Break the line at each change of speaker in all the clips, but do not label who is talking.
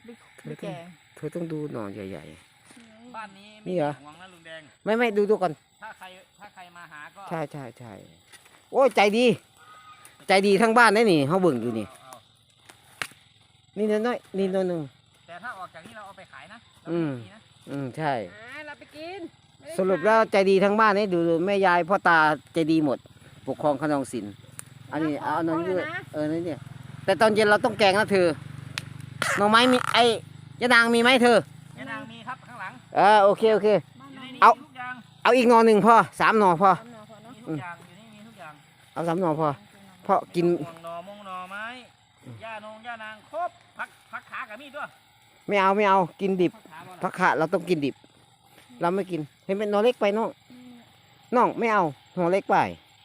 ไม่แก่
เธอต้องดูหน่อใหญ่
บ้านนี้
นี่เหรอ
ห่วงนะลุงแดง
ๆไม่ดูก่อน
ถ้าใครมาหาก็
ใช่โอ้ยใจดีทั้งบ้านได้นี่เขาเบิ่งอยู่นี่
เอา
นี่น้อยนี่น้อยหนึ่ง
แต่ถ้าออกจากนี้เราเอาไปขายนะเรา
อืม
ไม่มีนะ
ใช่
เราไปกินไม่ได้
สรุปแล้วใจดีทั้งบ้านนี่ดูแม่ยายพ่อตาใจดีหมดปกครองขนองศิลป์อันนี้เอาหน่อยด้วยนี่เนี่ยแต่ตอนเย็นเราต้องแกงนะเธอหน่อไม้มีไอ้ยะนางมีไหมเธอ
ยานางมีครับข้างหลัง
โอเค
อยู่ในนี้
เอา
มีทุกอย่าง
เอาอีกหน่อหนึ่งพอ3 หน่อพอ
ทำหน่อพอเนาะ
มีทุกอย่างอยู่นี่มีทุกอย่าง
เอา3 หน่อพอเพราะกิน
ห่วงหน่อมงหน่อไม้ย่านางครบพักขากับมีดด้วย
ไม่เอากินดิบ
พักขาบ่ล่ะ
ผักขาเราต้องกินดิบ เราไม่กินเห็นเป็นหน่อเล็กไปน้องไม่เอาหน่อเล็กไป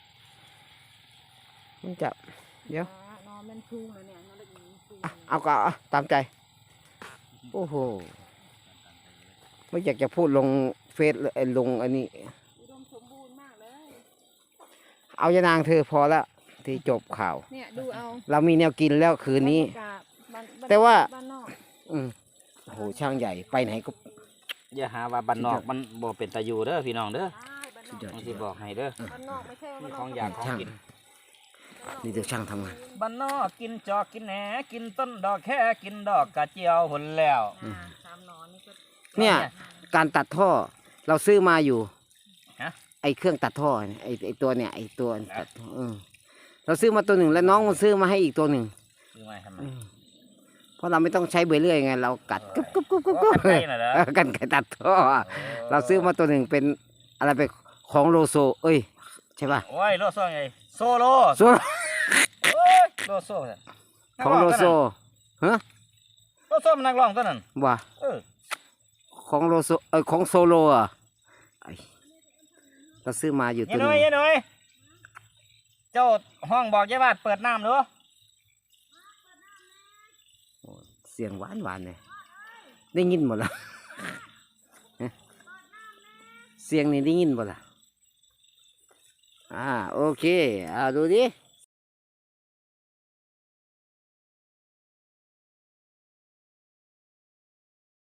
มันจะ เดี๋ยว
นอนมันพุงเลยเนี่ยนอนเล็กนี้พุง
เอาก็เอาตามใจโอ้โหไม่อยากจะพูดลงเฟซเลยลงอันนี้
อุดมสมบูรณ์มากเลย
เอายานางเธอพอแล้วที่จบข่าว
เนี่ยดูเอา
เรามีแนวกินแล้วคืนนี้
บรรยากาศบ้น
แต่ว่า
บ้านนอก
โอ้โหช่างใหญ่ไปไหนก็
อย่าหาว่าบ้านนอกมันบ่เป็นตาอยู่เด้อพี่น้องเด้อ
ใช่บ้านนอก
บางทีบอกให้เด้อ
บ้านนอกไม่ใช่ว่า
มี
บ้านน
ข
อ
อก งอยากของกิน
นี่เดี๋ยวช่างทำงาน
บ้านนอกกินจอกกินแหนกินต้นดอกแค่กินดอกกระเจียวหุ่นแล้ว
สามหนอนนี่ก็
เนี่ยการตัดท่อเราซื้อมาอยู่
ฮะ
ไอเครื่องตัดท่อเนี่ยไอตัวเนี่ยไอตัวตัดท่อเราซื้อมาตัวหนึ่งแล้วน้องมันซื้อมาให้อีกตัวหนึ่ง
คือมาทำไม
เพราะเราไม่ต้องใช้เบเรื่อยไงเรากัดกึ๊บ
โอ้กันไกลน่ะเหรอ
กันไก่ตัดท่อเราซื้อมาตัวหนึ่งเป็นอะไรไปของโลโซเอ้ยใช่ป่ะ
โอ้ยโลโซ่ไงโซโล
โซ
โอ้ยโลโซ่น่ะ
ของโลโซฮะ
โลโซ่มันนักร้องตัวนั้น
ว่า
เออ
ของโลโซของโซโลอ่ะไอ้เราซื้อมาอยู่ตั
ยั
วย ห
หน่
นึ่
อย
ง
ยัยหน่อยเจ้าห้องบอกยายบาดเปิดน้ำหรือ
เสียงหวานเลยได้ยินหมดแล้ว เสียงนี่ได้ยินหมดละโอเคดูดิ